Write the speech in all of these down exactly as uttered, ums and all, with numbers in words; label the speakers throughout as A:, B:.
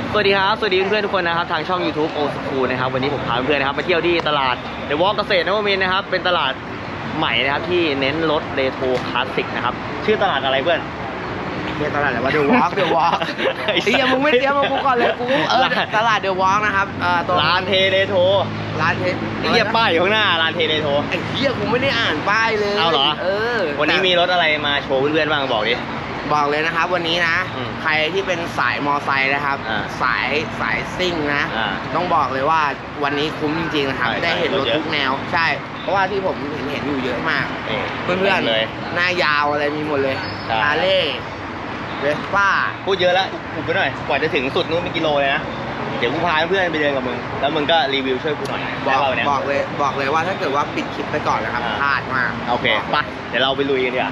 A: สวัสดีครับสวัสดีเพื่อนๆทุกคนนะครับทางช่อง YouTube โอสคูนะครับวันนี้ผมพาเพื่อนๆนะครับมาเที่ยวที่ตลาดเดอะวอล์กเกษตรนวมินทร์นะครับเป็นตลาดใหม่นะครับที่เน้นรถเรโทรคลาสสิกนะครับชื่อตลาดอะไรเพื่อน
B: เนี่ยตลาดอะไรวะเดอะวอล์กเดอะวอล์กไอ้เหี้ยมึงไม่เตรียมมากูก่อนเลยกูเออตลาดเดอะวอล์กนะครับเอ่อตัว
A: ร้านเทเรโทร
B: ร้านเท
A: ไอ้เหี้ยป้ายอยู่ข้างหน้าร้านเทเรโทร
B: ไอ้เหี้ยกูไม่ได้อ่านป้ายเลย
A: เอาเหรอ
B: เออ
A: วันนี้มีรถอะไรมาโชว์เพื่อนๆบ้างบอกดิ
B: บอกเลยนะครับวันนี้นะใครที่เป็นสายมอไซค์นะครับสายสายซิ่งนะต้องบอกเลยว่าวันนี้คุ้มจริงๆนะครับได้เห็นรถทุกแนวใช่เพราะว่าที่ผมเห็นเห็นอยู่เยอะมากเพื่อนๆเลยหน้ายาวอะไรมีหมดเลยฮาร์เลย์เวสป้า
A: พูดเยอะแล้วอุบไปหน่อยกว่าจะถึงสุดนู้นเป็นกิโลเลยนะเดี๋ยวกูพาเพื่อนไปเดินกับมึงแล้วมึงก็รีวิวช่วยกูหน่อย
B: บอกบอกเลยบอกเลยว่าถ้าเกิดว่าปิดคลิปไปก่อนนะครับพลาดมาก
A: โอเคไปเดี๋ยวเราไปลุยกันดีกว่า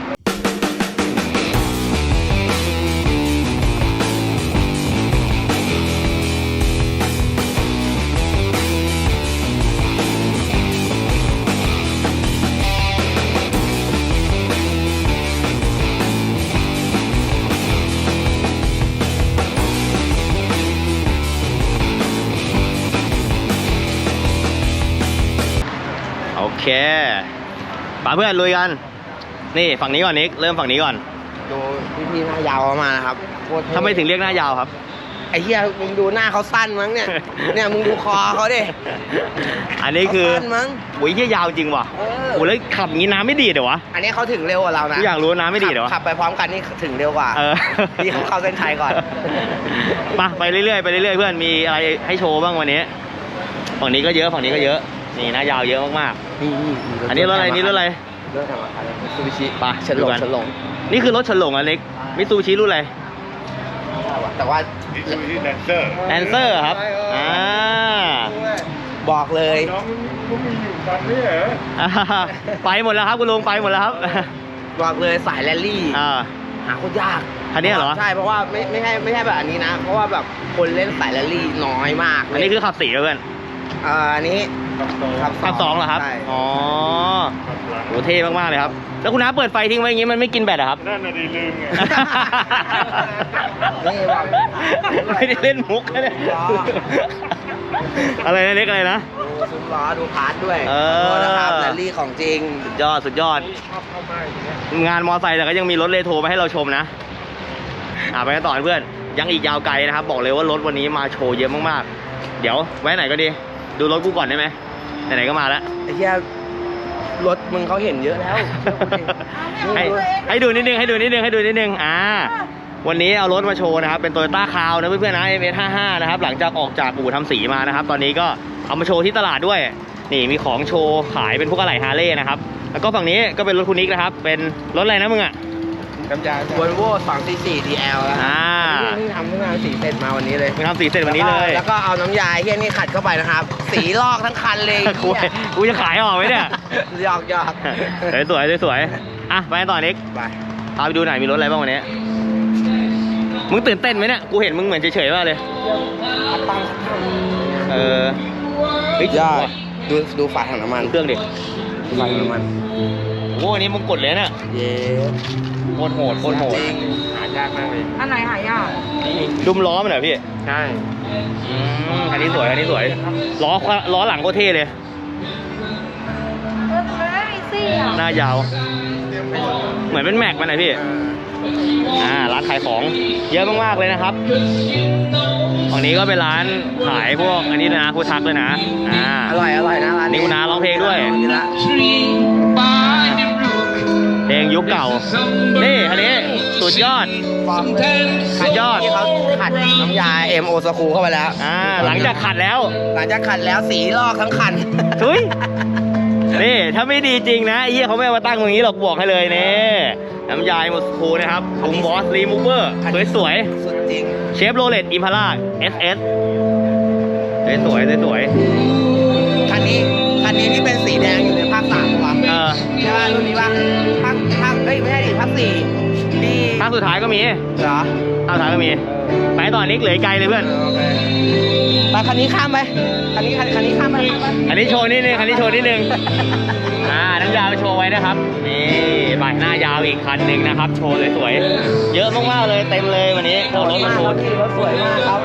A: โอเคป่าเพื่อนลุยกันนี่ฝั่งนี้ก่อนนิกเริ่มฝั่งนี้ก่อน
B: ดูพี่ๆหน้ายาวมานะครับ
A: ทำไมถึงเรียกหน้ายาวครับ
B: ไอ้เหี้ยมึงดูหน้าเขาสั้นมั้งเนี่ยเนี่ยมึงดูคอเขาดิ
A: อันนี้คือ
B: สั้นมั้ง
A: โอ้ยเหี้ยยาวจริงว่ะโอ้แล้วขับงี้น้ำไม่ดีเหรอวะ
B: อันนี้เขาถึงเร็วกว่าเรานะ
A: อยากรู้น้ำไม่ดีเหรอ
B: ขับไปพร้อมกันนี่ถึงเร็วกว่าพี่เขาเข้าเส้นชัยก่อน
A: มาไปเรื่อยๆไปเรื่อยๆเพื่อนมีอะไรให้โชว์บ้างวันนี้ฝั่งนี้ก็เยอะฝั่งนี้ก็เยอะนี่หน้ายาวเยอะมากๆอันนี้รถอะไรนี่รถอะไร
B: รถธรรมดามิตซูบิชิ
A: ป่ะ
B: ฉลงฉลง
A: นี่คือรถฉลงอันเล็กมิตซูบิชิรุ่นอะไร
B: แต่ว่า
C: มิตซูบิชิแลนเซอร์
A: แลนเซอร์ครับอ่า
B: บอกเลย
C: น้องก็มีอยู่คันนี้เหรอ
A: ไปหมดแล้วครับคุณลุงไปหมดแล้วครับ
B: บอกเลยสายแรลลี่หาโคตรยาก
A: คันนี้เหรอ
B: ใช่เพราะว่าไม่ไม่ใช่ไม่ใช่แบบอันนี้นะเพราะว่าแบบคนเล่นสายแรลลี่น้อยมาก
A: อันนี้คือขับสี่เพื่อน
B: อันนี้
A: ขับสองเหรอครับอ๋อโหเท่มากๆเลยครับแล้วคุณน้าเปิดไฟทิ้งไว้อย่างงี้มันไม่กินแบตเหรอครับ
C: นั่นน่ะดีลืมไง
A: ไม่ได้เล่นมุกนะอะไรนะเล็กอะไรนะ
B: ซุ้มล้อดูพาร์ทด้วยเออนะครับแรลลี่ของจริง
A: สุดยอดสุดยอดงานมอไซค์แต่ก็ยังมีรถเรโทรมาให้เราชมนะอ่าไปกันต่อเพื่อนยังอีกยาวไกลนะครับบอกเลยว่ารถวันนี้มาโชว์เยอะมากๆเดี๋ยวไว้ไหนก็ดีดูรถกูก่อนได้ไหมไหนๆก็มาแล้ว
B: ไอ้เหี้ยรถมึงเขาเห็นเยอะแล้ว
A: ให้ให้ดูนิดนึงให้ดูนิดนึงให้ดูนิดนึงอ่าวันนี้เอารถมาโชว์นะครับเป็น Toyota Crown นะเพื่อนๆนะ เอ็ม เอส ห้าสิบห้านะครับหลังจากออกจากอู่ทำสีมานะครับตอนนี้ก็เอามาโชว์ที่ตลาดด้วยนี่มีของโชว์ขายเป็นพวกอะไหล่ฮาร์เลย์นะครับแล้วก็ฝั่งนี้ก็เป็นรถคุณนิกนะครับเป็นรถอะไรนะมึงอ่ะ
B: กำยานวอลโว่สองสี่สี่ ดี แอล แล้ว
A: อ่า
B: เพิ่งทำเพิ่งทำสีเสร็จมาวันนี้เลย
A: เพิ่งทำสีเสร็จวันนี้เลย
B: แล้วก็เอาน้ำยาเฮี้ยนี่ขัดเข้าไปนะครับสีลอกทั้งคันเลย
A: กูกูจะขายออกไหมเนี่ย
B: หยอกหยอก
A: สวยสวยอ่ะไปต่อนิก
B: ไป
A: พาไปดูหน่อยมีรถอะไรบ้างวันนี้มึงตื่นเต้นไหมเนี่ยกูเห็นมึงเหมือนเฉยๆมากเลยเออเฮ้ย
B: ดูดูฝาถังน้ำมัน
A: เครื่องดิ
B: ฝาถังน้ำมัน
A: โอ้อันนี้มึงกดเลยเนี่ย
B: เย้
A: โคตรโหดโคตรโหด
B: หายากมากเลย
D: อันไหนหายาก
A: ดุมล้อมันเหรอพี่
B: ใช่
A: อันนี้สวยอันนี้สวยล้อล้อหลังก็เท่เลยหน้ายาวเหมือนเป็นแม็กมันไหนพี่อ่าร้านขายของเยอะมากๆเลยนะครับฝั่งนี้ก็เป็นร้านขายพวกอันนี้นะพวกทักเลยนะอ่า
B: อร่อยอร่อยนะร้าน
A: นี้คุณน้าร้องเพลงด้วยเพลงยุคเก่านี่อันนี้สุดยอดสุดยอด
B: ที่เขาขัดน้ำยาเอ็มโอสคูเข้าไปแล้ว
A: อ่าหลังจากขัดแล้ว
B: หลังจากขัดแล้วสีลอกทั้งคัน
A: ทุยนี่ถ้าไม่ดีจริงนะไอ้เหี้ยเขาไม่เอามาตั้งตรงนี้หรอกบอกให้เลยนี่น้ำยาโมสคูนะครับถุงบอสรีมูเวอร์สวย
B: ๆสุดจริง
A: เชฟโรเลตอิมพาร่า เอส เอส สวยสวย
B: คันนี้คันนี้ที่เป็นสีแดงอยู่ในภาคสามป่ะ
A: เออ
B: ใช่ป่ะรุ่นนี้ป่ะภาคภาคเฮ้ยไม่ใช่ดิภาคสี่
A: ที่ภาคสุดท้ายก็มี
B: เหรอ
A: ภาคสุดท้ายก็มีไปต่อนิกเหลือไกลเลยเพื่อน
B: ไปคันนี้ข้ามไปคันนี้คันนี้ข้ามไป
A: อันนี้โชว์นิดนึงคันนี้โชว์นิดนึงอ่าน้ำยาวโชว์ไว้นะครับนี่ใบหน้ายาวอีกคันหนึ่งนะครับโชว์สวยๆเยอะมากๆเลยเต็มเลยวันนี้เอารถมาโชว์
B: รถสวยมากครับ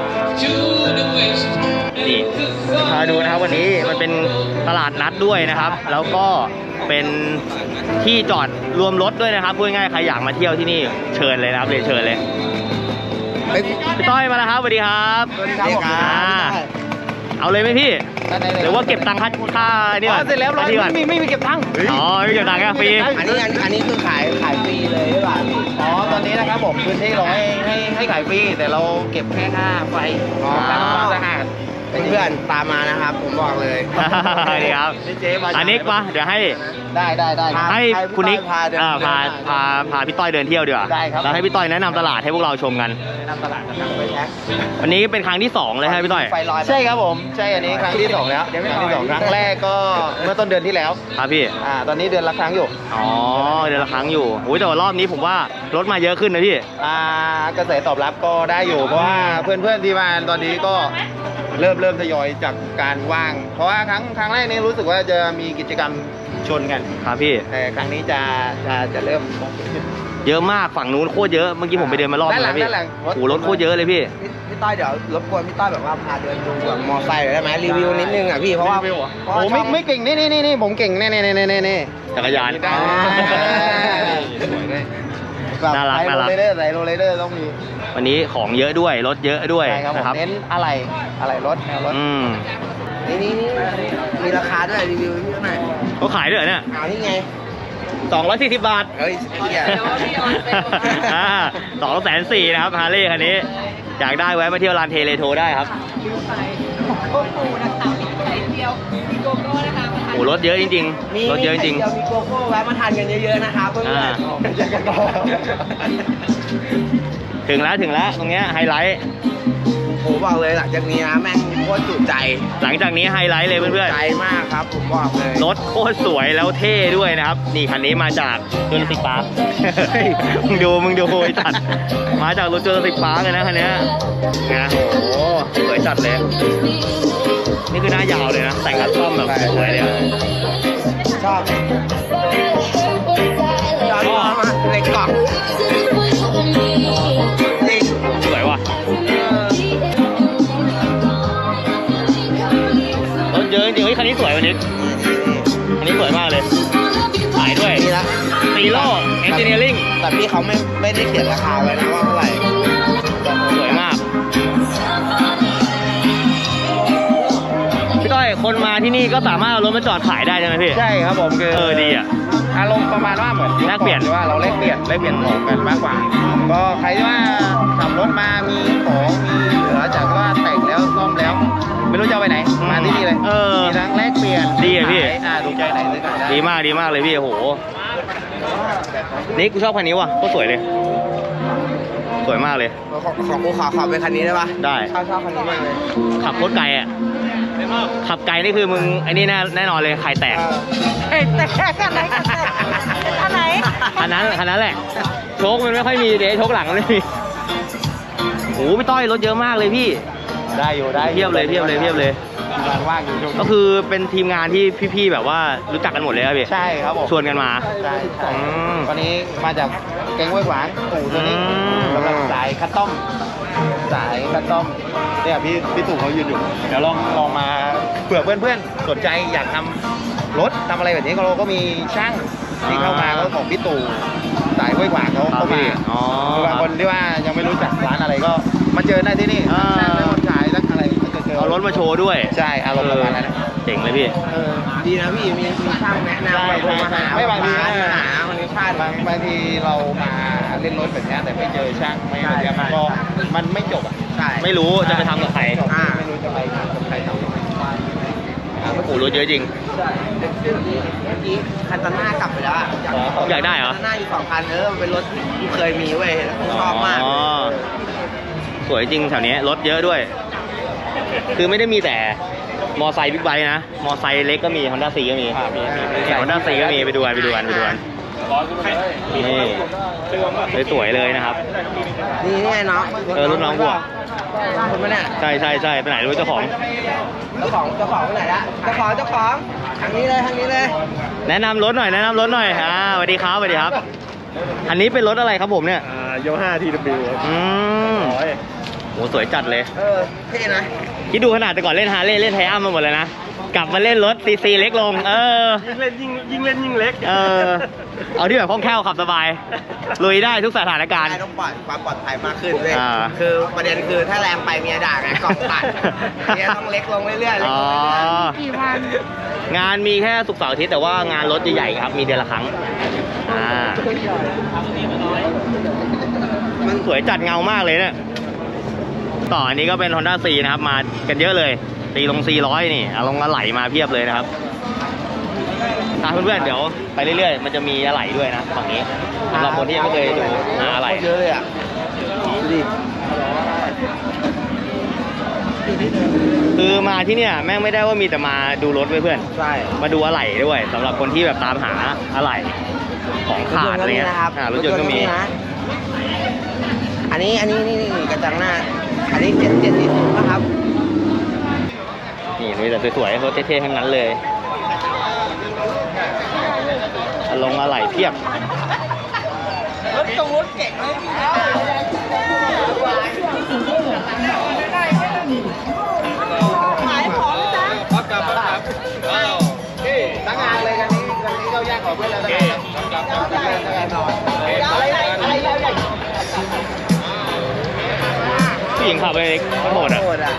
A: นี่พาดูนะครับวันนี้มันเป็นตลาดนัดด้วยนะครับ แล้วก็เป็นที่จอดรวมรถด้วยนะครับพูดง่ายๆใครอยากมาเที่ยวที่นี่เชิญเลยนะครับเรียนเชิญเลยพี่ต้อยมาแล้วครับสวัสดีครับ
B: สวัสดีครับผม
A: อ่าเอาเลยไหมพี่หรือว่าเก็บตังค่าค่านี่ก่อน
B: เสร็จแล้วร้อย
A: ที่ก่อน
B: ไม่ไม่มีเก็บตังค์
A: อ๋อไม่เก็บตังค์แค่ฟรี
B: อันนี้อันนี้คือขายขายฟรีเลยหรือเปล่าพี่
D: อ๋อ ตอนนี้นะครับผมพื้นที่เราให้ให้ให้ขายฟรีแต่เราเก็บแค่ค่าไฟ
B: อ๋อ
D: ค่าทำความสะอาด
B: เพื่อนๆตามมานะครับ ผมบอกเลย
A: นี่ครับ
D: นี่เจ๊มา
A: อันนี้มาเดี๋ยวให้
D: ได้ได้ได้
B: ครับ
A: ให้คุณนิก
B: พาเดิน
A: อ่าพา
B: เดิน
A: พาพาพี่ต้อยเดินเที่ยวดีกว่า
D: ได้ครับ
A: แล้วให้พี่ต้อยแนะนำตลาดให้พวกเราชมกัน
D: แนะนำตลาดนะครับ
B: ไปแท็ก
A: วันนี้เป็นครั้งที่สองเลยใช่ไหมพี่ต้อย
B: ไฟลอย
D: ใช่ครับผม ใช่อันนี้ครั้งที่สองแล้วครั้งที่สองครั้งแรกก็เมื่อต้นเดือนที่แล้ว
A: ครับพี่
D: อ่า ตอนนี้เดือนละครั้งอยู่
A: อ๋อเดือนละครั้งอยู่โอ้ยแต่ว่ารอบนี้ผมว่ารถมาเยอะขึ้นนะพี่
D: อ่ากระแสตอบรับก็ได้อยู่ เพราะว่าเพื่อนๆที่มาตอนนี้ก็เริ่มเริ่มทยอยจากการว่าง เพราะว่าครั้งครั้งแรกนี่รู้สึกว่าจะมีกิจกรรมชนกัน
A: ครับพี่
D: แต่ครั้งนี้จะจะจะเริ่ม
A: เยอะมากฝั่งนู้นโคตรเยอะเมื่อกี้ผมไปเดินมารอบนึงแล้วพี่
D: ด้านหลัง
A: โอ้โหรถโคตรเยอะเลยพี่
B: พี่พี่ต้อยเดี๋ยวรบกวนพี่ต้อยแบบว่าพาเดินดูแบบมอไซค์หน่อยได้ไหมรีวิวนิดนึงอ่ะพี่เพราะว่าเพราะ
D: โอ้
B: ว่า
D: ไม่
B: ช่อง
D: ไม่เก่งนี่นี่นี่นี่ผมเก่งแน่แน่แน่แน่แน่
A: จักรยาน
D: ได้
A: อ๋อ
D: สวยเลย
A: น่ารัก
D: ใส่
A: น่า
D: โร
A: รัก
D: เลเดอร์ใส่โรเลเดอร์ต้องมี
A: วันนี้ของเยอะด้วยรถเยอะด้วย
D: ใช่ครับผม
A: นะครับ
D: เน้นอะไรอะไรรถแนวรถ
A: อืม
B: นี่นี่นี่มีราคาด้วยรีวิวพี่หน่อย
A: เขาขายด้วยเหรอเนี่ย
B: เอานี่ไง
A: สองร้อยสี่สิบบาท
B: เฮ้ยไอ้เหี้ย
A: อ่าสองแสนสี่นะครับฮาร์เลย์คันนี้ อยากได้แวะมาเที่ยวลานเทเลโทได้ครับ
E: โอ้โหนะคะมีไข่เดียวมีโกโก้นะคะมาทาน
A: โอ้รถเยอะจริง
B: มี
A: ๆ รถเยอะจริง
B: มีไข่เจียวมีโกโก้แวะมาทานกันเยอะๆนะครับเพื่อน
A: อ่า
B: ๆเจอกันต่อ
A: ๆ ถึงแล้วถึงแล้วตรงเนี้ยไฮไลท์
B: โอ้บอกเลยหลังจากนี้นะแม่งโคตรจุใจ
A: หลังจากนี้ไฮไลท์เลยเพื่อน
B: ใจมากครับผมบอกเลย
A: ๆ รถโคตรสวยแล้วเท่ด้วยนะครับ นี่คันนี้มาจากจูราสสิกพาร์ค มึงดูมึงดูไอ้จัดมาจากรถจูราสสิกพาร์คเลยนะคันเนี้ยนะโอ้โหสวยจัดเลย นี่คือหน้ายาวเลยนะ แต่งคัสตอมแบบสวยเลยอะ
B: ชอบย้อนมาในกล่องจริง
A: สวยว่ะ รถเยอะจริงๆเฮ้ยคันนี้สวยวันนี้คันนี้สวยมากเลยขายด้วย
B: นี่ละ
A: ซีโร่เอนจิเนียริ่ง
B: แต่พี่เขาไม่ไม่ได้เขียนราคาไว้นะว่าเท่าไหร่
A: สวยมาก พี่ต้อยคนมาที่นี่ก็สามารถเอารถมาจอดขายได้ใช่ไหมพี่
D: ใช่ครับผมคือ
A: เออดีอ่ะ
D: อารมณ์ประมาณว่าเหมือน
A: แลกเปลี่ยน
D: ว่าเราแลกเปลี่ยนแลกเปลี่ยนของกันมากกว่า ก็ใครที่ว่าขับรถมามีของมีเหลือจากว่าแต่งแล้วซ่อมแล้ว ไม่รู้จะเอาไปไหนมาที่นี่เลย
A: เออ
D: มีทั้งแลกเปลี่ยน
A: ดีอะพี่
D: ขายอ่าถูกใจไหนซื้อกันได้
A: ดีมากดีมากเลยพี่โอ้โห นี่กูชอบคันนี้ว่ะโคตรสวยเลย สวยมากเลย
B: ขอขอกูขอขอเป็นคันนี้ได้ปะ
A: ได้
B: ชอบชอบคันนี้มากเลย
A: ขับโคตรไกลอ่ะ ขับไกลนี่คือมึงไอ้นี่แน่แน่นอนเลยไข่แตก
B: เออ
E: แต่อันไหนอันไหน
A: คันนั้นคันนั้นแหละ โชคมันไม่ค่อยมีเดชโชคหลังมันไม่มีโอ้โหพี่ต้อยรถเยอะมากเลยพี่
D: ได้อยู่ได้
A: เทียบเลยเทียบเลยเทียบเลย
D: งานว่างอยู่ช่วง
A: ก็คือเป็นทีมงานที่พี่ๆแบบว่ารู้จักกันหมดเลยครับพี่
D: ใช่ครับผม
A: ชวนกันมา
D: ใช่ใช่
A: อืม
D: วันนี้มาจากแกงห้วยขวางตู่ตัวนี้
A: อืม
D: สำหรับสายคัสตอมสายคัสตอมเนี่ยพี่พี่ตู่เขายืนอยู่เดี๋ยวลองลองมาเผื่อเพื่อนๆสนใจอยากทำรถทำอะไรแบบนี้ก็เราก็มีช่างที่เข้ามาเขาของพี่ตู่สายห้วยขวางเขา
A: ครับ
D: เข้ามา
A: พี่อ๋อ
D: คือบางคนที่ว่ายังไม่รู้จักร้านอะไรก็มาเจอได้ที่นี่
A: อ่า
D: ช่างรถขายรักอะไรก็จะเจอ
A: เอารถมาโชว์ด้วย
D: ใช่อารมณ์ประมาณนั้นนะ
A: เจ๋งเลยพี่
D: เออ
B: ดีนะพี่มีมีช่างแนะนำ
D: ใช่
B: มาโทรมาหา
D: ไม่บางที
B: มาหาคนนี้พลาด
D: บางบางทีเรามาเล่นรถแบบนี้แต่ไม่เจอช่างไม่อะไรเงี้ยมันก็มันไม่จบอ่ะ
B: ใช่
A: ไม่รู้จะไปทำกับใคร
D: จบไม่รู้จะไปกับใครทำ
A: โอ้โหรถเยอะจริง
B: เมื่อกี้คันตาน่ากลับไปแล้วอะ
A: อยากได้เหรอ
B: คันตาน่าอยู่สองคันเออมันเป็นรถที่เคยมีเว้ยแล้วกูชอบมาก
A: อ๋อ สวยจริงแถวนี้รถเยอะด้วย คือไม่ได้มีแต่มอไซค์บิ๊กไบค์นะ มอไซค์เล็กก็มี Honda ซีก็มี
D: อ่ามีมีมี
A: Honda ซีก็มีไปดูกันไปดูกันไปดูกันนี่สวยๆเลยนะครับ
B: นี่นี่ไงน้อง
A: เออรุ่นน้องกูอะ
B: คุณมาเนี่ย
A: ใช่ใช่ใช่ไปไหนรู้เจ้าของ
B: เจ้าของเจ้าของไปไหนละเจ้าของเจ้าของทางนี้เลยทางนี้เลย
A: แนะนำรถหน่อยแนะนำรถหน่อยอ่าสวัสดีครับสวัสดีครับ อันนี้เป็นรถอะไรครับผมเนี่ย
C: อ่าโยห้าทีดับบิว
A: อืม
C: ร้อย
A: โหสวยจัดเลย
B: เออเท่นะ
A: คิดดูขนาดแต่ก่อนเล่นฮาร์เลย์เล่นไทอัมมาหมดเลยนะ กลับมาเล่นรถซีซีเล็กลง เออ
C: ยิ่งเล่นยิ่งยิ่งเล่นยิ่งเล็ก
A: เออ เอาที่แบบคล่องแคล่วขับสบาย ลุยได้ทุกสถานการณ์
B: ได้ต้องปลอดความปลอดภัยมากขึ้นเลย
A: อ่า
B: คือประเด็นคือถ้าแรงไปเมียด่าไงกล่องตัดเมียต้องเล็กลงเรื่อยๆเล็ก
A: อ๋อ
B: ลงเรื่อยๆกี่วัน
A: งานมีแค่ศุกร์เสาร์อาทิตย์แต่ว่างานรถใหญ่ๆครับ มีเดือนละครั้ง อ่า มันสวยจัดเงามากเลยเนี่ย ต่ออันนี้ก็เป็น Honda C นะครับ มากันเยอะเลย ตีลง สี่ร้อย นี่เอาลงอะไหล่มาเพียบเลยนะครับอ่ะเพื่อนๆ เดี๋ยวไปเรื่อยๆ มันจะมีอะไหล่ด้วยนะฝั่งนี้สำหรับคนที่ยังไม่เคยดูหาอะไหล่
B: เยอะเลยอ่ะดูดิ
A: คือมาที่เนี่ยแม่งไม่ได้ว่ามีแต่มาดูรถเว้ยเพื่อน
B: ใช่
A: มาดูอะไหล่ด้วยสำหรับคนที่แบบตามหาอะไหล่ของขาดอะไรเงี้ย
B: นะครับ
A: อ่ารถยนต์ก็มี
B: นะอันนี้อันนี้นี่นี่กระจังหน้า อันนี้เจ็ดเจ็ดสี่สิบนะครับ
A: นี่มีแต่สวยๆรถเท่ๆทั้งนั้นเลยอะลงอะไหล่เพียบ
B: รถตรงรถเก่งเลยขายของจ้ะครับครับครับตั้งงานเลยกันนี้กันนี้เราแยกของเพื่อนแล้วนะครับครับครับครับอะไรอะไรอะไร
A: ผู้หญิงขับไปโหดอ่ะ
B: โหดอ่ะ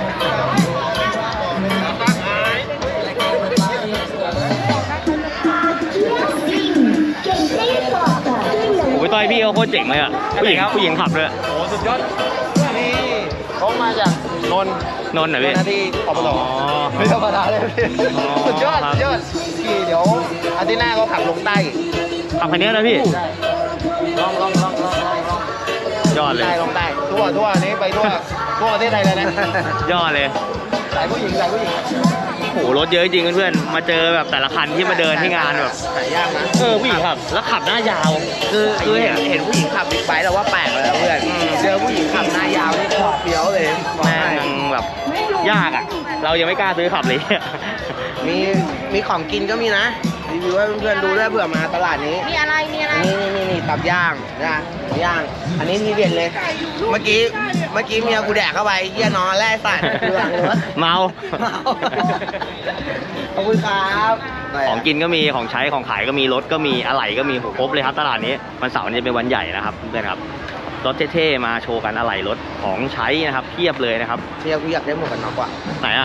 A: โอ้ยต้อยพี่เขาโคตรเจ๋งเลยอ่ะผู้หญิงผู้หญิงขับเลย
D: โอ้สุดยอดนี่เขามาจากนนท์
A: นนท์เหรอพี่
D: หน้าที่อบต
A: อ๋อ
D: ไม่ธรรมดาเลยพี่
A: อ๋อ
D: สุดยอด
A: ครับ
D: สุดยอดพี่เดี๋ยวอาทิตย์หน้าเขาขับลงใต้
A: ขับคันนี้นะพี่
D: ลองลองลองลองลองลอง
A: ยอดเลย
D: ใต้ลงใต้ทั่วทั่วนี้ไปทั่วทั่วประเทศไทยเลยนะ
A: ยอดเลย
D: สายผู้หญิงสายผู้หญิง
A: โอ้โหรถเยอะจริงเพื่อนๆมาเจอแบบแต่ละคันที่มาเดินที่งานแบบ
B: หายากนะ
A: เออผู้หญิงขับแล้วขับหน้ายาว
B: คือคือเห็นเห็นผู้หญิงขับบิ๊กไบค์แล้วว่าแปลกเลยนะเพื่อนเจอผู้หญิงขับหน้ายาวนี่โคตรเฟี้ยวเลยบอก
A: แม่
B: ให้
A: งแบบยากอ่ะ เรายังไม่กล้าซื้อขับเลย
B: มีมีของกินก็มีนะรีวิวให้เพื่อนๆดูด้วยเผื่อมาตลาดนี้
E: มีอะไร มีอะไร
B: นี่นี่นี่นี่ตับย่างนะตับย่าง อันนี้ทีเด็ดเลย เมื่อกี้เมื่อกี้เมียกูแดกเข้าไปเยี่ยนอนแร่ใส่ดูหลังรถ
A: เมา
B: เมาขอบคุณครับ
A: ของกินก็มีของใช้ของขายก็มีรถก็มีอะไหล่ก็มีโหครบเลยครับตลาดนี้วันเสาร์นี้จะเป็นวันใหญ่นะครับเพื่อนครับรถเท่ๆมาโชว์กันอะไหล่รถของใช้นะครับเพียบเลยนะครับ
B: เมียกูอยากได้หมวกกันน็อกว่ะ
A: ไหนอ่ะ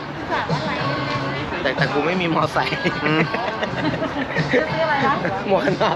B: แต่แต่กูไม่มีมอไซค์
A: อืม
B: หมวกกันน็อก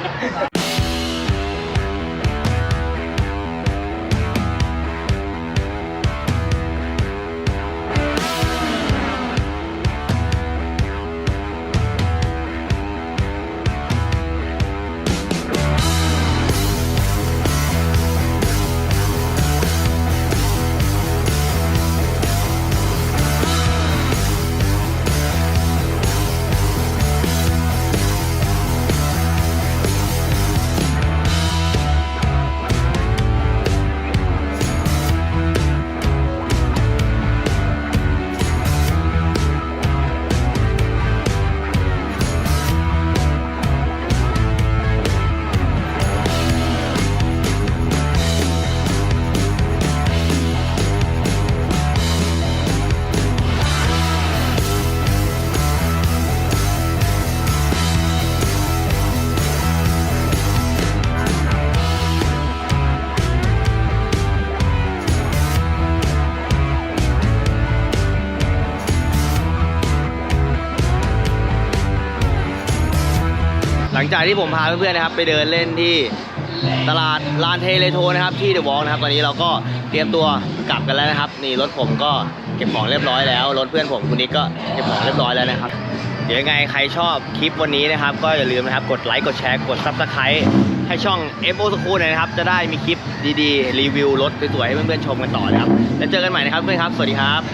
A: หลังจากที่ผมพาเพื่อนๆนะครับไปเดินเล่นที่ตลาดลานเทเลโทนะครับที่เดอะวอล์กนะครับตอนนี้เราก็เตรียมตัวกลับกันแล้วนะครับนี่รถผมก็เก็บของเรียบร้อยแล้วรถเพื่อนผมคุณนิกก็เก็บของเรียบร้อยแล้วนะครับเดี๋ยวยังไงใครชอบคลิปวันนี้นะครับก็อย่าลืมนะครับกดไลค์กดแชร์กด ซับสไครบ์ ให้ช่อง เอฟ โอ School หน่อยนะครับจะได้มีคลิปดีๆรีวิวรถสวยๆให้เพื่อนๆชมกันต่อนะครับแล้วเจอกันใหม่นะครับเพื่อนครับสวัสดีครับ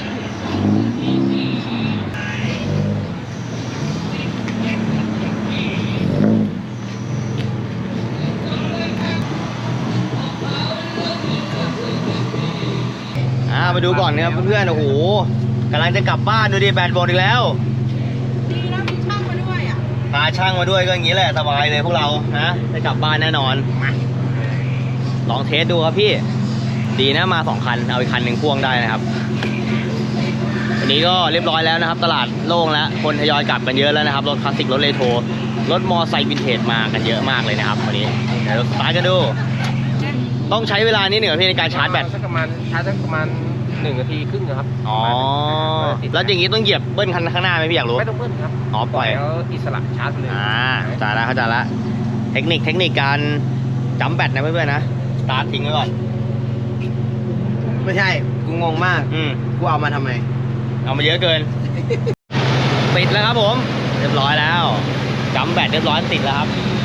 A: อ่ามาดูก่อนนะครับเพื่อนๆโอ้โหกำลังจะกลับบ้านดูดิแบตหมดอีกแล้ว
E: ดีนะมีช่างมาด้วยอ่ะ
A: พาช่างมาด้วยก็อย่างนี้แหละสบายเลยพวกเรานะได้กลับบ้านแน่นอนมาลองเทสดูครับพี่ดีนะมาสองคันเอาอีกคันหนึ่งพ่วงได้นะครับวันนี้ก็เรียบร้อยแล้วนะครับ ตลาดโล่งแล้วคนทยอยกลับกันเยอะแล้วนะครับรถคลาสสิกรถเรโทรรถมอไซค์วินเทจมากันเยอะมากเลยนะครับวันนี้เดี๋ยวเราสตาร์ทกันดูต้องใช้เวลานิดหนึ่งพี่ในการชาร์จแบต
B: สักประมาณชาร์จสักประมาณหนึ่งนาทีครึ่งนะครับ
A: อ๋อแล้วอย่างนี้ต้องเหยียบเบิ้ลคันข้างหน้าไหมพี่อยากรู้
B: ไม่ต้องเบิ้ลครับ
A: อ๋อปล่อย
B: แล้วอิสระชาร์จเลย
A: อ่าเข้าใจแล้วเข้าใจแล้วเทคนิคเทคนิคการจัมแบตนะเพื่อนๆนะสตาร์ททิ้งไว้ก่อน
B: ไม่ใช่กูงงมาก
A: อืม
B: กูเอามาทำไม
A: เอามาเยอะเกิน ปิดแล้วครับผม เรียบร้อยแล้วจัมแบตเรียบร้อยติดแล้วครับ